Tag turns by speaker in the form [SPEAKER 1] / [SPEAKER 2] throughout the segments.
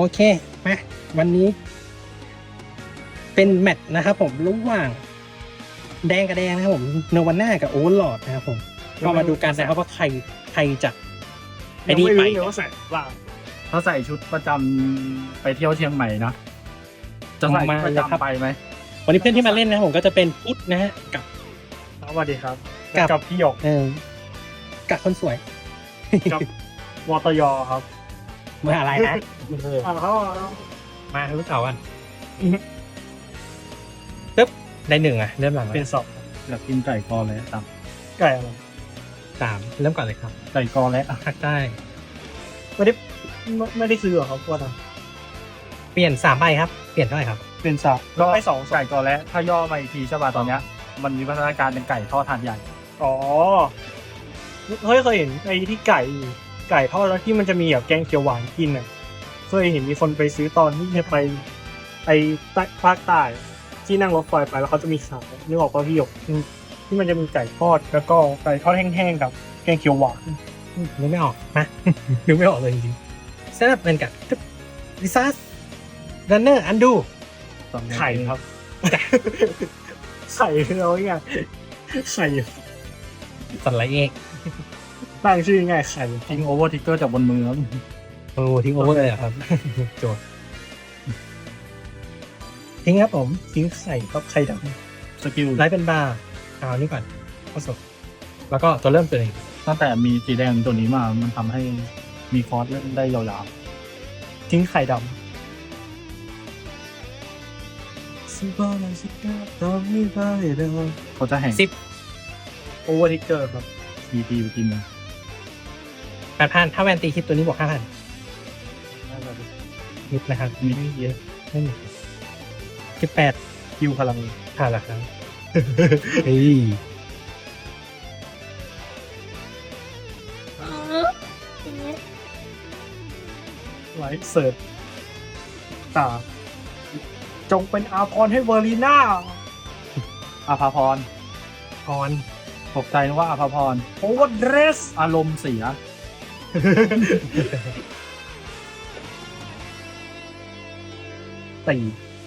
[SPEAKER 1] เคมาวันนี้ เป็นแมตช์นะครับผมระหว่างแดงกับแดงนะครับผมโนวาน่ากับโอเวอร์ลอร์ดนะครับผมก็มาดูกันนะครับว่าใครจะไอ้นี่ไป
[SPEAKER 2] เดี๋ยวว่าใส่ล่าง
[SPEAKER 3] ถ้าใส่ชุดประจำไปเที่ยวเชียงใหม่นะจะใส่ชุดประจำไปไหม
[SPEAKER 1] วันนี้เพื่อนที่มาเล่นนะครับผมก็จะเป็นพุทธนะฮะกับ
[SPEAKER 2] สวัสดีครับ
[SPEAKER 1] กับ
[SPEAKER 2] กับพี่หยก
[SPEAKER 1] กับคนสวย
[SPEAKER 2] กับวตยครับ
[SPEAKER 1] เมื่ออะไรนะ
[SPEAKER 2] เขา
[SPEAKER 1] มาลูกเต่ากันปึ๊บได้หนึ่งอ่ะเริ่มหลัง
[SPEAKER 2] เป็นสอง
[SPEAKER 3] อยากกินไก่กอและตับ
[SPEAKER 2] ไก่อะไร
[SPEAKER 1] สามเริ่มก่อนเลยครับ
[SPEAKER 3] ไก่กอและ
[SPEAKER 1] ภาคใต้
[SPEAKER 2] ไม่ได้ซื้อหรอครับว่าท
[SPEAKER 1] เปลี่ยน3ใบครับเปลี่ยนเท่าไหร่ครับ
[SPEAKER 2] ำเป็นสามก็ไอ้สอง
[SPEAKER 3] ไก่กอและถ้าย่อมาอีกทีใช่ป่ะตอนเนี้ยมันมีพัฒนาการเป็นไก่ทอดถาดใหญ่
[SPEAKER 2] อ๋อเฮ้ยเคยเห็นไอ้ที่ไก่ทอดแล้วที่มันจะมีแบบแกงเขียวหวานกินอ่ะเคยเห็นมีคนไปซื้อตอนที่จะไปไอ้ภาคใต้ที่นั่งรถไฟไปแล้วเขาจะมีขายนึกออกป่ะพี่หยกที่มันจะมีไก่ทอดแล้วก็ไก่ทอดแห้งๆกับแกงเขียวหวาน
[SPEAKER 1] นึกไม่ออกนะ นึกไม่ออกเลยจริงๆเซตอัพเป็นกับลิซัสรันเนอร์อันดู
[SPEAKER 2] ไข่ครับ ไข่เราไงไข่
[SPEAKER 1] สันไลเอก
[SPEAKER 2] ตั้งชื่อง่ายไข่
[SPEAKER 3] ทิ้งโอเวอร์ทิกเกอร์จากบนมือแล้ว
[SPEAKER 1] โอ้ทิ้งโอเวอร์เลยเหรอครับ โจทย์ทิ้งครับผม
[SPEAKER 2] ทิ้งไข่ครับไข่ด
[SPEAKER 3] สกิล
[SPEAKER 1] ไลท์เป็นบาร์เอานี่ก่อนข้อศพแล้วก็ตัวเริ่มตัวเอง
[SPEAKER 3] ตั้งแต่มีสีแดงตัวนี้มามันทำให้มีคอร์สเล่นได้ยาว
[SPEAKER 2] ำทิ้งไข่ดำซิบาลาซิกาตอมิบาเดอ
[SPEAKER 3] ๆเขาจะแห่ง
[SPEAKER 2] โอเวอร์ทิกเกอร์ครับ
[SPEAKER 3] ทีไปกินนะ
[SPEAKER 1] 8,000ถ้าแวนตีคลิปตัวนี้บวก 5,000นิดนะครับ
[SPEAKER 3] มีไม่เยอะ
[SPEAKER 1] ไม่มี18
[SPEAKER 2] คิวพลัง
[SPEAKER 1] ผ่านแล้วครับ เฮ้ย
[SPEAKER 2] ไลท์เสิร์ฟตาจงเป็นอาพรให้เวอร์ลีน่า
[SPEAKER 3] อาภาพร
[SPEAKER 1] พร
[SPEAKER 3] ตกใจนึกว่าอาภาพร
[SPEAKER 2] โอเวอร์เดรส
[SPEAKER 3] อารมณ์เสีย
[SPEAKER 2] ตี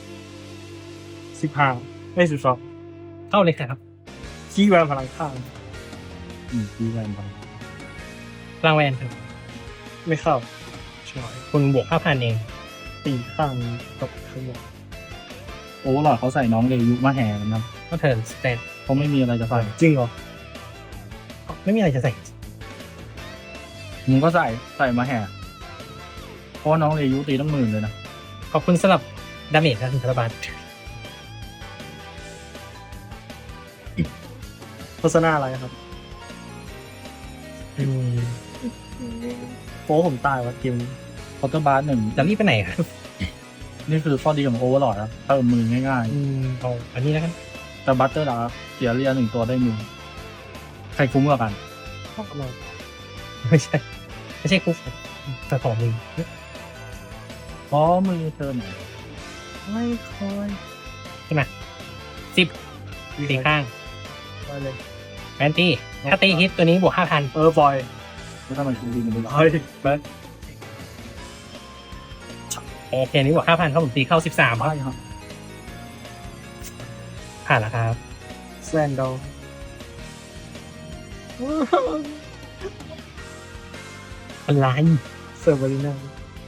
[SPEAKER 2] 15ไม่12
[SPEAKER 1] เข้าเลยครับ
[SPEAKER 2] ขี้แวนพลังข้าง
[SPEAKER 3] ดีแรงไป
[SPEAKER 1] รางแวนครับ
[SPEAKER 2] ไม่เข้า
[SPEAKER 1] ช่วยคุณบวก 5,000 เอง
[SPEAKER 2] ตีข้างตกข้างบน
[SPEAKER 3] โอ้หลอดเขาใส่น้องเลยุมาแห่กันนะ
[SPEAKER 1] ก็เทิร์นสเตน
[SPEAKER 3] เขาไม่มีอะไรจะใส่
[SPEAKER 2] จริงเหรอ
[SPEAKER 1] ไม่มีอะไรจะใส่
[SPEAKER 3] มึงก็ใส่มาแห่เพราะว่าน้องเลยุตีตั้ง10,000เลยนะ
[SPEAKER 1] ขอบคุณสำหรับดาเมจครับคุณธนบัตร
[SPEAKER 2] โฆษณาอะไรครับ โป้ผมตายวะเกมนี้
[SPEAKER 3] คอร์เตอร์บาร์1
[SPEAKER 1] จะรีบไปไหนครับ
[SPEAKER 3] นี่คือข้อดีของโอเวอร์ลอดครับเติมมือง่าย
[SPEAKER 1] เอาอันนี้แล้วกัน
[SPEAKER 3] ๆ แต่บัตเตอร์ดาร์เสียเรีย1ตัวได้มือใครคุ้มกว่ากัน
[SPEAKER 1] ไม่ใช่ ไม่ใช่คุกแต่ของมึง
[SPEAKER 3] เพราะมือเธอไหน
[SPEAKER 2] ไม่คอย
[SPEAKER 1] ใช่ไหม10ตีข้าง
[SPEAKER 2] ไปเลย
[SPEAKER 1] แวนตี้ถ้าตีฮิตตัวนี้บวก 5,000
[SPEAKER 2] บอย
[SPEAKER 3] แล้วทำไมคุณดีมัน
[SPEAKER 2] บ
[SPEAKER 3] ไม่
[SPEAKER 2] อย
[SPEAKER 1] โอเคนี้บวก 5,000ครับผมตีเข้า 13ครับ
[SPEAKER 3] ใช่ครับ
[SPEAKER 1] ผ่านแล้วครับ
[SPEAKER 2] แซนดอล
[SPEAKER 1] อะไร
[SPEAKER 2] เซอร์เบอริน่า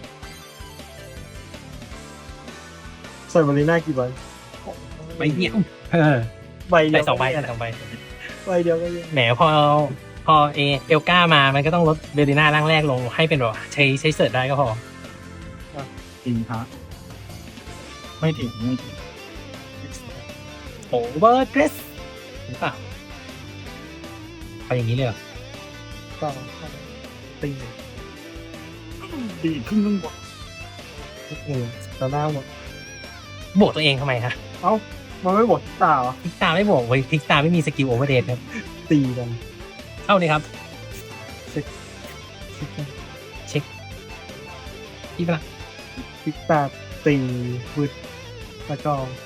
[SPEAKER 2] เซอร์เบอริน่ากี่ใบ
[SPEAKER 1] ใบเดียว
[SPEAKER 2] ใบเดี
[SPEAKER 1] ใส่
[SPEAKER 2] ยว
[SPEAKER 1] 2 ใบใส่2 ใบ
[SPEAKER 2] ใบเดียวก็เยอะ
[SPEAKER 1] แหมพอเอลก้ามามันก็ต้องลดเบลลิน่าร่างแรกลงให้เป็นแบบใช้เสิร์ชได้ก็พอ
[SPEAKER 3] จริงครับไม่ถึงไม่ถึง
[SPEAKER 1] โอเวอร์เดรสหรือเปล่าเอาอย่างนี้เลยเหรอ
[SPEAKER 2] ก็ตี
[SPEAKER 3] ดีขึ้นเรื่องบท
[SPEAKER 2] ต่อหน้าหมด
[SPEAKER 1] บวกตัวเองทำไมฮะ
[SPEAKER 2] เอ้ามันไม่บดตาเหรอ
[SPEAKER 1] พิกตาไม่บวกเว้ยพิกตาไม่มีสกิลโอเวอร์เดรสครับ
[SPEAKER 2] ตีกัน
[SPEAKER 1] เข้าเลยครับ
[SPEAKER 2] เช็ค
[SPEAKER 1] เช็คที่ปะ
[SPEAKER 2] พิกตาตีวืดแล้วก็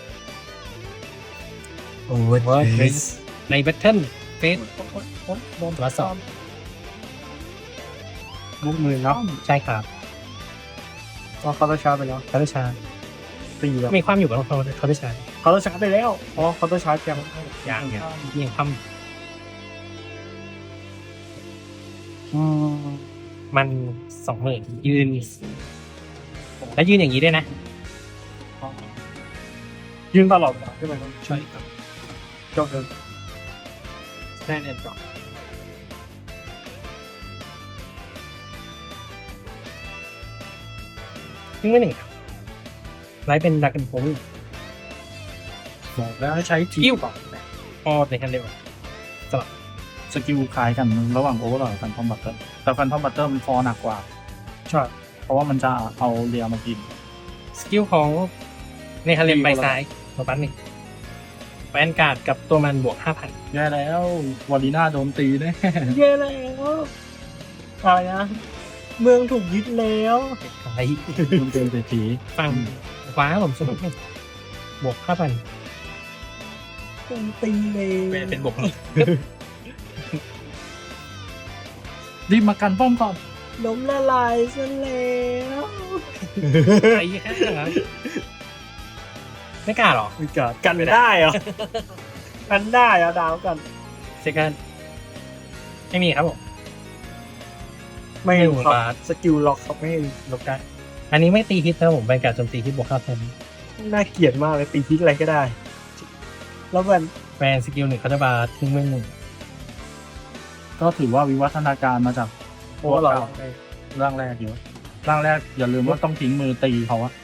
[SPEAKER 1] โอเวอร์เดรสในแบทเทิลเฟส
[SPEAKER 2] โดน
[SPEAKER 1] ตัวสอบ
[SPEAKER 2] ลูกมือเนาะ
[SPEAKER 1] ใช่ครับ
[SPEAKER 2] อ๋อเขาต้องชาร์จไปแล้ว
[SPEAKER 1] เขาจะชาร์จ
[SPEAKER 2] ตีแล้ว
[SPEAKER 1] มีความอยู่กับเขาจะชาร์จ
[SPEAKER 2] เขาต้องชาร์จไปแล้วอ๋อเขาต้องชาร์จยัง
[SPEAKER 1] อย่างเงี้ยยังทำมัน20,000ยืน แล้วยืนอย่างนี้ด้วยนะ
[SPEAKER 2] ยืนตลอดใช่ไหมครับ
[SPEAKER 1] ใช่ครับ
[SPEAKER 2] จบเลย
[SPEAKER 1] ได้แน่นอนยิ่งไม่หนึ่งครับไลฟ์เป็นดักกันผม
[SPEAKER 3] บอกแล้วให้ใช้ที
[SPEAKER 1] กิ้วพอในคันเร็ว
[SPEAKER 3] สกิลคล้ายกันระหว่างโอเวอร์ลอดกับแฟนทอมบัตเตอร์แต่แฟนทอมบัตเตอร์มันฟอร์หนักกว่า
[SPEAKER 2] ใช่
[SPEAKER 3] เพราะว่ามันจะเอาเรียมากิน
[SPEAKER 1] สกิลของในคันเร็วไปซ้ายตัวปั้นหนึ่งแวนการ์ดกับตัวมันบวก 5,000
[SPEAKER 3] แย่แล้ววอลีน่าโดนตีแน่
[SPEAKER 2] เย้แล้วอะไรนะเมืองถูกยึดแล้ว
[SPEAKER 1] ไอ้
[SPEAKER 3] โดนเต็มเศรษฐี
[SPEAKER 1] ฟังขวาผมสนุกไหมบวก 5,000
[SPEAKER 2] ถูกตีเลย
[SPEAKER 1] เป็นบวก
[SPEAKER 3] รีบมากันป้อมก่อน
[SPEAKER 2] ล้มละลายซะแล้ว
[SPEAKER 1] ไอ้แค่นั้นไม่กล้าหรอ
[SPEAKER 2] มีการกันได้เหรอกันได้เหรอดาวกัน
[SPEAKER 1] เซคันไม่มีครับผม
[SPEAKER 2] ไม่
[SPEAKER 1] ไม่
[SPEAKER 2] รู้
[SPEAKER 1] รู้
[SPEAKER 2] ครับ
[SPEAKER 1] บาส
[SPEAKER 2] สกิลล็อกเขาไม่ให้
[SPEAKER 1] ลบได้อันนี้ไม่ตีฮิตนะผมแวนการ์ดโจมตีฮิตบวก 5,000
[SPEAKER 2] น่าเกลียดมากเลยตีพิษอะไรก็ได้ แล้วมัน
[SPEAKER 1] แวนสกิลหนึ่งเขาจะบาร์ทิ้งเมืองหนึ่ง
[SPEAKER 3] ก็ถือว่าวิวัฒนาการมาจาก
[SPEAKER 2] โอ้หรอ
[SPEAKER 3] ร่างแรกเยอะร่างแรกอย่าลืมว่าต้องทิ้งมือตีเขาอะ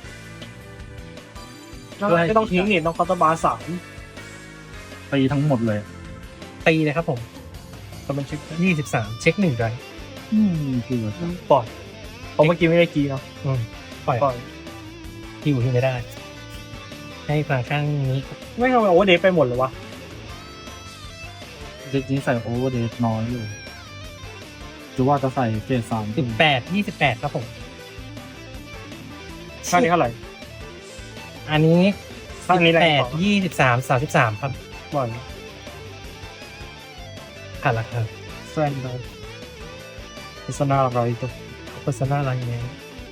[SPEAKER 2] ไม่ต้องทิ้งนี่ต้องคอร์ตบาร์สาม
[SPEAKER 3] ตีทั้งหมดเลย
[SPEAKER 1] ตีเลยครับผมก็เป็นเช็ค23 เช็ค1ไร
[SPEAKER 3] คือ
[SPEAKER 2] ปล่อยเพราะเมื่อกี้ไม่ได้กีเนาะ
[SPEAKER 1] ปล่อย
[SPEAKER 2] ปล่อย
[SPEAKER 1] ที่อยู่ที่ไม่ได้ ให้ฝั่งข้างนี้
[SPEAKER 2] ไม่ทำไมโอเวอร์เดย์ไปหมดเลยวะ
[SPEAKER 3] เด็กนี้ใส่โอเวอร์เดย์น้อยอยู่หรือว่าจะใส่เกรด3
[SPEAKER 1] 28ครับผม
[SPEAKER 2] ค่านี้เท่าไหร่
[SPEAKER 1] อันนี้
[SPEAKER 2] ข้างนี้แรงกว่า
[SPEAKER 1] 23 33 ครับ
[SPEAKER 2] ปล่อย
[SPEAKER 1] ผ่านราคา
[SPEAKER 2] แซนได้โฆษณาอะไรตัว
[SPEAKER 1] โฆษณาอะไรเนี่ย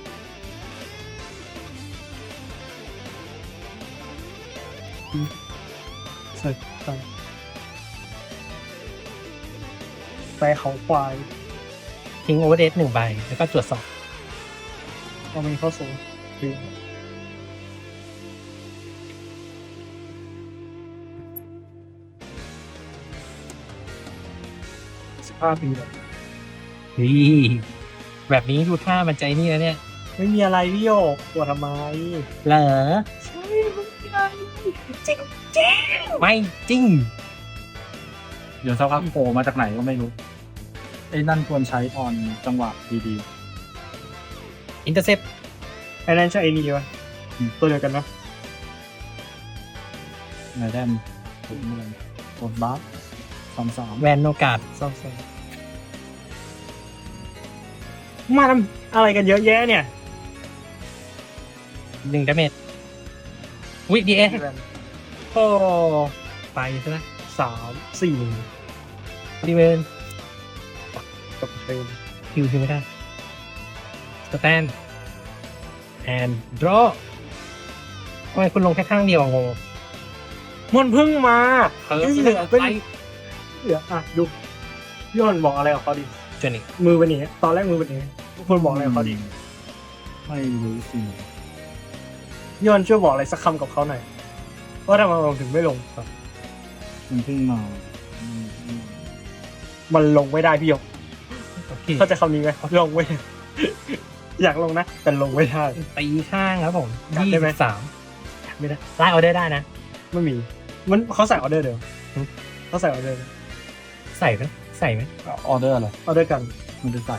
[SPEAKER 2] ใส่ไปแต่เขาควาย
[SPEAKER 1] ทิ้งโอเวอร์เดท1 ใบ แล้วก็ตรวจสอบ
[SPEAKER 2] เอามีเข้าสูงคือ15 ปีแล้ว
[SPEAKER 1] แบบนี้ดูท่ามันใจนี่แล้วเนี่ย
[SPEAKER 2] ไม่มีอะไรพี่โยกปวดทำไม
[SPEAKER 1] เหรอ
[SPEAKER 2] ใช่ไม่มีอะไรจริง
[SPEAKER 1] ไม่จริง
[SPEAKER 3] เดี๋ยวสักพักโผล่มาจากไหนก็ไม่รู้ไอ้นั่นควรใช้ตอนจังหวะดี
[SPEAKER 1] อินเตอร์เซป
[SPEAKER 2] ไอ้นั่นใช่ไอ้นี่ปะตัวเดียวกันปะ
[SPEAKER 3] ๆไงแดมผมอะไรกดบัฟ33
[SPEAKER 1] แวนโนกาด
[SPEAKER 2] ซ้ำๆมาทำอะไรกันเยอะแยะเนี่ย
[SPEAKER 1] 1 ดาเมจวิดีเอโอ้ไปใช่ไหม
[SPEAKER 2] 3 4
[SPEAKER 1] ดีเวน
[SPEAKER 2] กับเทรน
[SPEAKER 1] คิวคือไม่ได้สแตนแอนดรอทำไมคุณลงแค่ข้างเดียวอะงง
[SPEAKER 2] มันเพิ่งมา
[SPEAKER 1] เออ
[SPEAKER 2] เหลือเป็น
[SPEAKER 1] ไป
[SPEAKER 2] เหลืออ่ะดูพี่คนบอกอะไรกับเขาดิ
[SPEAKER 1] จนอีก
[SPEAKER 2] มือเป็นอย่างนี้ตอนแรกมือเป็นอย่างนี้ทุกคนบอกอะไรกับเขาดิ
[SPEAKER 3] ไม่รู้สิ
[SPEAKER 2] พี่คนช่วยบอกอะไรสักคำกับเขาหน่อยว่าทำไมเราถึงไม่ลงครับ
[SPEAKER 3] มันเพิ่งมา
[SPEAKER 2] มันลงไม่ได้พี่หยก
[SPEAKER 1] โอเค
[SPEAKER 2] เข้าใจคำนี้ไหมลงไม่ได้ อยากลงนะแต่ลงไม่ได้
[SPEAKER 1] ตีข้างครับผม
[SPEAKER 2] จัดได้ไหม
[SPEAKER 1] 23ไม่ได้ไล่เอาได้นะ
[SPEAKER 2] ไม่มีมันเขาใส่ออเดอร์เดียวเขาใส่ออเดอร์
[SPEAKER 1] ใส่ไหมใส่ไหม
[SPEAKER 3] ออเดอร์อะไร
[SPEAKER 2] ออเดอร์กัน
[SPEAKER 3] มันจะใส่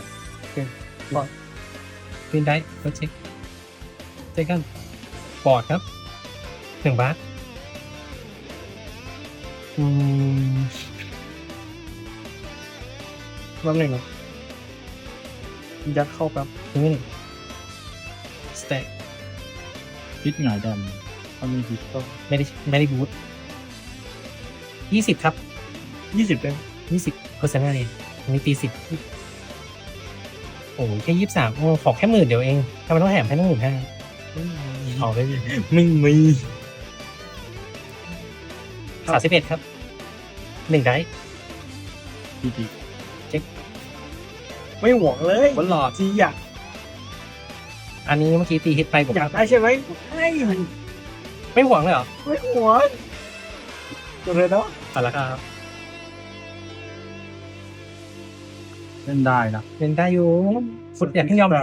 [SPEAKER 1] วินได้ก็เช็คเช็คกันบอร์ดครับ1 บาท
[SPEAKER 2] แป๊บหนึงนะยัดเข้าแป๊บ
[SPEAKER 1] ทิ้งไว้1 สเต็ก
[SPEAKER 3] พิษหงายแดมถ้ามีพิษก็
[SPEAKER 1] ไม่ได้บูท20 ครับ
[SPEAKER 2] 20เป็น
[SPEAKER 1] 20%นั่นเองอันนี้ตี10
[SPEAKER 2] โอ
[SPEAKER 1] อ้แค่23โอ้ขอแค่10,000เดียวเองทำไมต้องแถมให้ตั้ง15,000ขอไปดิ
[SPEAKER 2] ไม่มี
[SPEAKER 1] 31ครับ1ได้
[SPEAKER 3] ดีดี
[SPEAKER 2] ไม่หวงเลย
[SPEAKER 3] บนหลอด
[SPEAKER 2] จีอยาก
[SPEAKER 1] อันนี้เมื่อกี้ตีฮิตไปผม
[SPEAKER 2] อยากได้ใช่ไหมให้
[SPEAKER 1] ไม่หวังเลยเหรอ
[SPEAKER 2] ไม่หวงตัวเลยเนาะ
[SPEAKER 1] เอาละครับ
[SPEAKER 3] เล่นได้นะ
[SPEAKER 1] เป็นได้อยู่ฟุตอย่าเพิ่งยอมแพ้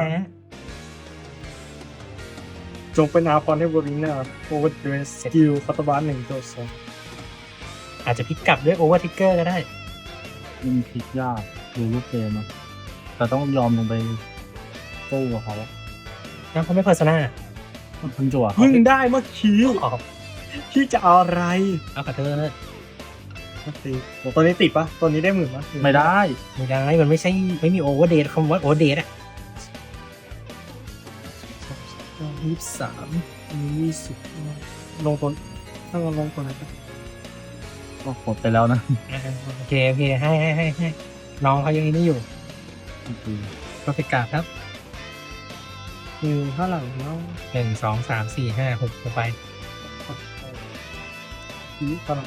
[SPEAKER 2] จงเป็นอาพรให้บริน่าโอเวอร์เดรสสกิลคัตบาร์1ตัว2
[SPEAKER 1] อาจจะพลิกกลับด้วยโอเวอร์ทิกเกอร์ก็ได้
[SPEAKER 3] มันพลิกยากดูรูปเกมอะแต่ต้องยอมลงไปสู้กับเขา
[SPEAKER 1] แล้วเขาไม่เพอร์ซนา
[SPEAKER 3] เพิ่งจั่วเขา
[SPEAKER 2] เพิ่งได้เมื่อกี้
[SPEAKER 1] ออก
[SPEAKER 2] ที่จะเอาอะไร
[SPEAKER 1] เอาขอโทษ
[SPEAKER 2] ตีตัวนี้ติดปะตัวนี้ได้10,000ปะ
[SPEAKER 3] ไม่ได้
[SPEAKER 1] ไม่ได้มันไม่ใช่ไม่มีโอเวอร์เดทคำว่าโอเวอร์เดทอะ
[SPEAKER 2] 23 20ลงตัวถ้าเราลงตัวไหนปะ
[SPEAKER 3] ก็กดไปแล้วนะ
[SPEAKER 1] โอเคให้น้องเขายังนี่อยู่ก็ไปกราบครับ
[SPEAKER 2] เท่าไหร่แล้ว
[SPEAKER 1] 1 2 3 4 5 6ลงไป
[SPEAKER 2] เท่าไหร่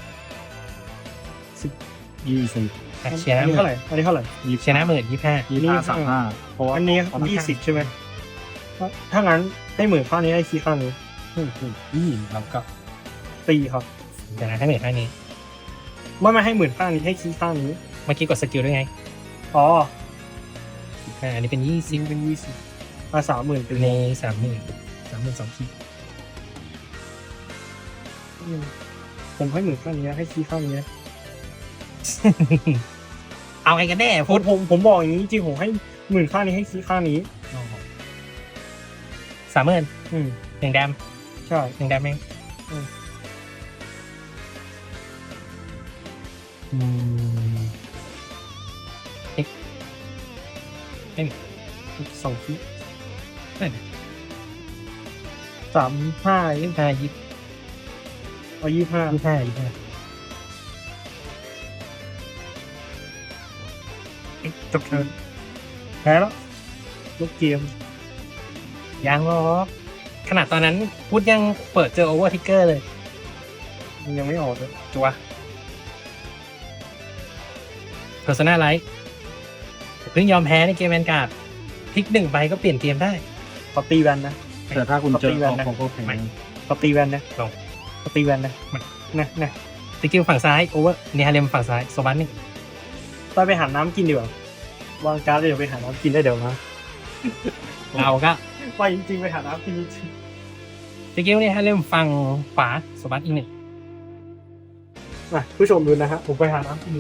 [SPEAKER 3] 20
[SPEAKER 1] เชียร์
[SPEAKER 2] อัน
[SPEAKER 1] นะ
[SPEAKER 2] นี้เท่าไหร่อันนี้เท่าไหร่
[SPEAKER 1] เชียร์นะ15,000
[SPEAKER 3] 25 35เพราะว่า
[SPEAKER 2] อันนี้
[SPEAKER 1] เอามา
[SPEAKER 2] 20ใช่ไหมถ้างั้นให้10,000ข้างนี้ให้คีย์ข้างนี้
[SPEAKER 1] แล้วก็
[SPEAKER 2] ตีครับ
[SPEAKER 1] เดี๋ยวนะให้10,000ข้างนี้
[SPEAKER 2] ไม่ให้10,000ข้างนี้ให้คีย์ข้างนี้
[SPEAKER 1] เมื่อกี้กดสกิลด้วยไง
[SPEAKER 2] อ๋อ
[SPEAKER 1] อันนี้เป็น20
[SPEAKER 2] ซิงเป็น20มา30,000เป็น
[SPEAKER 1] ใน30,000 2 ขีด
[SPEAKER 2] ผมให้10,000ข้างนี้ให้คีย์ข้างนี้
[SPEAKER 1] เอาไงกันแน่
[SPEAKER 2] ผ
[SPEAKER 1] พูด
[SPEAKER 2] ผมบอกอย่างนี้จริงผมให้10,000ข้างนี้ให้คีย์ข้างนี้
[SPEAKER 1] 30,000
[SPEAKER 2] อืม
[SPEAKER 1] 1 แดม
[SPEAKER 2] ใช่
[SPEAKER 1] 1 แดมเอง
[SPEAKER 2] 2คีย์
[SPEAKER 1] ได้
[SPEAKER 2] 35
[SPEAKER 1] 25
[SPEAKER 2] เอา25
[SPEAKER 1] 25
[SPEAKER 2] จบเทิร์นแพ้แล้วลูกเกม
[SPEAKER 1] ยังหรอกขนาดตอนนั้นพูดยังเปิดเจอโอเวอร์ทิกเกอร์เลย
[SPEAKER 2] มันยังไม่ออกเลย
[SPEAKER 1] จัวเพอร์ซนาไลท์เพิ่งยอมแพ้ในเกมแวนการ์ดพลิก1ใบก็เปลี่ยนเกมได้
[SPEAKER 2] ขอตีแวนนะ
[SPEAKER 3] แต่ถ้าคุณเจอ
[SPEAKER 2] ปกติแวนนะ
[SPEAKER 3] ของก็แพ้
[SPEAKER 1] ไม่
[SPEAKER 2] ขอตีแวนนะ
[SPEAKER 1] ลง
[SPEAKER 2] ขอตีแวนนะ
[SPEAKER 1] ไม่
[SPEAKER 2] นะ
[SPEAKER 1] สกิลฝั่งซ้ายโอเวอร์เนฮาเลมฝั่งซ้ายโซบันนี่
[SPEAKER 2] ไปหาน้ำกินดีกว่าวางการ์ดเดี๋ยวไปหาน้ำกินได้เดี๋ยวนะ
[SPEAKER 1] เราก็
[SPEAKER 2] ไปจริงๆไปหาน้ำกินจริง
[SPEAKER 1] สกิลเนฮาเลมฝั่งขวาโซบันอีก 1
[SPEAKER 2] นะผู้ชมดูนะฮะผมไปหาน้ำกิน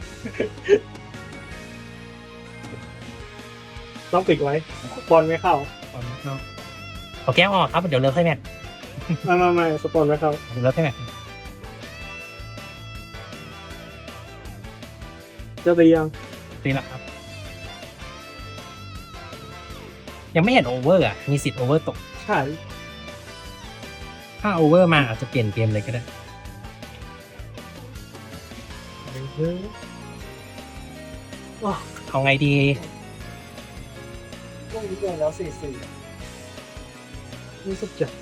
[SPEAKER 2] ต้องปิดไว้บอลไม่เข้า
[SPEAKER 1] เอาแก้วออกครับเดี๋ยวเลิกให้แมท
[SPEAKER 2] ไม่สปอนไม่เข้า
[SPEAKER 1] เดี๋ยวเลิกให้แมท
[SPEAKER 2] จะตียัง
[SPEAKER 1] ตีละครับ ยังไม่เห็นโอเวอร์อ่ะมีสิทธิ์โอเวอร์ตก
[SPEAKER 2] ใช่
[SPEAKER 1] ถ้าโอเวอร์มาอาจจะเปลี่ยนเกมเลยก็ได้
[SPEAKER 2] ว้า
[SPEAKER 1] เอาไงดี
[SPEAKER 2] พวกนี้เกินแล้ว4-4รู้สึกจะ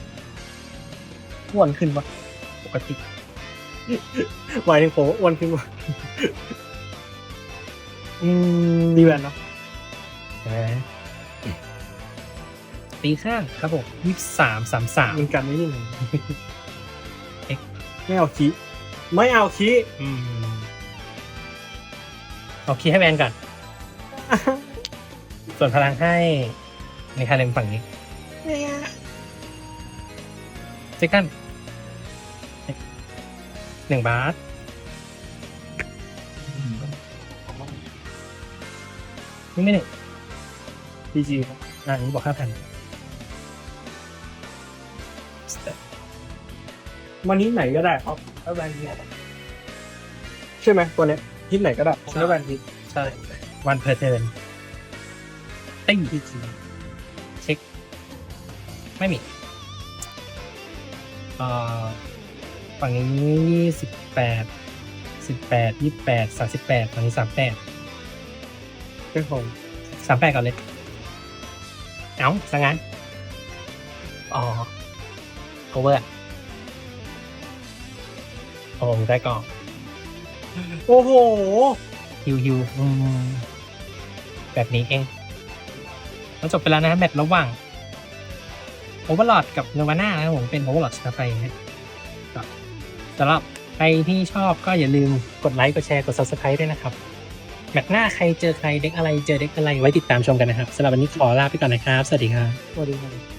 [SPEAKER 2] อ้วนขึ้นปะ
[SPEAKER 1] ปกติ
[SPEAKER 2] หมายถึงผมอ้วนขึ้นปะดีแวนเนาะ
[SPEAKER 1] ตีข้างครับผม23
[SPEAKER 2] มันกันไม่ยังไง
[SPEAKER 1] เอ็ก
[SPEAKER 2] ไม่เอาคีไม่เอาคี
[SPEAKER 1] เอาคีย์ให้แวนก่อน ส่วนพลังให้ในคาเลมฝั่งนี้เซคัน1 บาทนี่ไม่หนึ่ง
[SPEAKER 2] พีจีครับ
[SPEAKER 1] อันนี้บอก 5,000
[SPEAKER 2] มันนี้ไหนก็ได้ครับแล้วแวนฮิตใช่ไหมตัวเนี้ยฮิตไหนก็ได้แล้วแวนฮิต
[SPEAKER 1] ใช่วันเพอร์เทิร์นติ้ง
[SPEAKER 2] พีจี
[SPEAKER 1] เช็ค ไม่มีฝั่งนี้18 28 38ฝั่งนี้38
[SPEAKER 2] เป็นของ
[SPEAKER 1] 38ก่อนเลยเอ้าซะงั้นอ๋อโอเวอร์โอ้ได้ก่อน
[SPEAKER 2] โอ้โห
[SPEAKER 1] ฮิวแบบนี้เองแล้วจบไปแล้วนะแมตช์ระหว่างโอเวอร์ลอดกับเนวาน่านะครับผมเป็นโอเวอร์ลอดชนะไปนะก็สำหรับใครที่ชอบก็อย่าลืมกดไลค์กดแชร์กด Subscribe ด้วยนะครับแมตช์หน้าใครเจอใครเด็กอะไรเจอเด็กอะไรไว้ติดตามชมกันนะครับสำหรับวันนี้ขอลาไปก่อนนะครับสวัสดีครับ
[SPEAKER 2] สวัสดีครับ